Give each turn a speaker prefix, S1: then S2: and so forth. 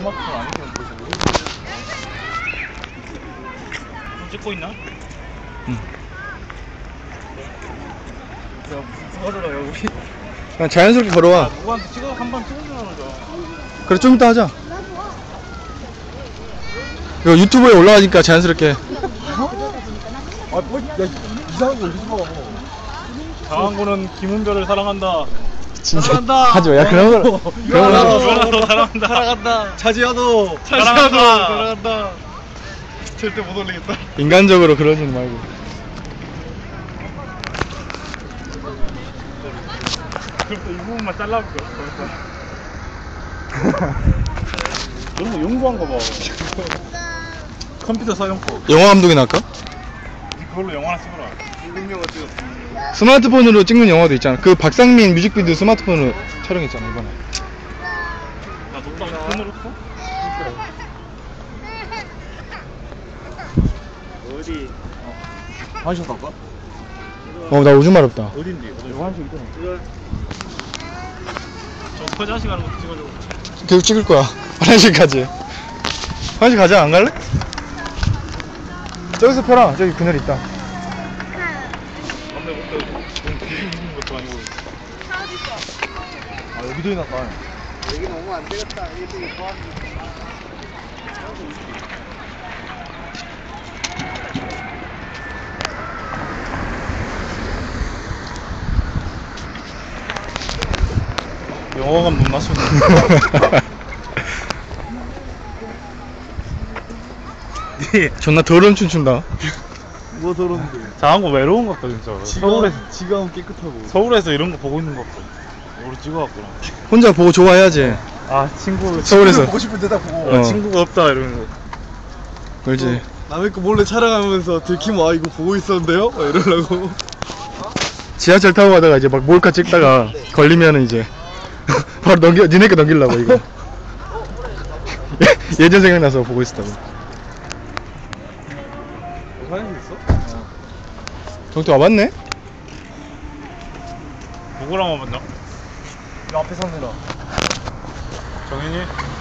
S1: 스마트폰 안 끼면 보시고. 찍고 있나?
S2: 응.
S1: 야, 무슨 걸어라, 여기.
S2: 그냥 자연스럽게 걸어와.
S1: 아, 누구한테 한번 찍어주라는 거죠.
S2: 그래, 좀 이따 하자. 이거 유튜브에 올라가니까 자연스럽게.
S3: 아, 뭐, 야, 이상한 거 어디서 봐.
S1: 장항구는 김은별을 사랑한다.
S2: 진짜.
S1: 사랑한다.
S2: 하지 마. 야, 그런 거. 그런 거.
S1: 유연아도 사랑한다.
S3: 사랑한다. 차지하도.
S1: 사랑한다.
S3: 사랑한다. 절대 못 올리겠다.
S2: 인간적으로 그러지는 말고.
S1: 그래서 이 부분만 잘라볼게. 이런 거 연구한 거 봐. 컴퓨터 사용법.
S2: 영화 감독이 나올까?
S1: 그걸로 영화나 찍어라.
S3: 운명을 찍었어.
S2: 스마트폰으로 찍는 영화도 있잖아. 그 박상민 뮤직비디오 스마트폰으로 촬영했잖아, 이번에.
S1: 나 녹방 폰으로 써? 어디?
S3: 한샷 할까?
S2: 나 오줌 마렵다.
S1: 어딘데?
S3: 이거 한샷 있잖아.
S1: 저 화장실 가는 것도 찍어줘.
S2: 계속 찍을 거야. 화장실까지. 화장실 가자, 안 갈래? 저기서 펴라. 저기 그늘 있다.
S1: 근데 뭐 뒤집는 것도 아니고.
S3: 아, 여기도 해놨다.
S4: 여기 너무 안 되겠다. 이게 좋아하는
S1: 영화관 못 맞췄네.
S2: 존나 더러운 춤 춘다.
S3: 뭐 더러운데.
S1: 장항구 외로운 것 같다 진짜.
S3: 지가 하면 깨끗하고.
S1: 서울에서 이런 거 보고 있는 것 같고. 우리 찍어왔구나.
S2: 혼자 보고 좋아해야지.
S1: 아 친구
S2: 서울에서.
S3: 보고 싶은 데다 보고.
S2: 어.
S1: 친구가 없다 이러는 거.
S2: 그렇지.
S3: 남의 거 몰래 촬영하면서 들키면 아 이거 보고 있었는데요? 막 이러려고.
S2: 지하철 타고 가다가 이제 막 몰카 찍다가 걸리면은 이제 바로 니네 거 넘기려고 이거. 예전 생각나서 보고 있었다고.
S3: 화장실 있어?
S2: 저기 또 와봤네?
S1: 누구랑 와봤나?
S3: 이 앞에 사느라.
S1: 정현이?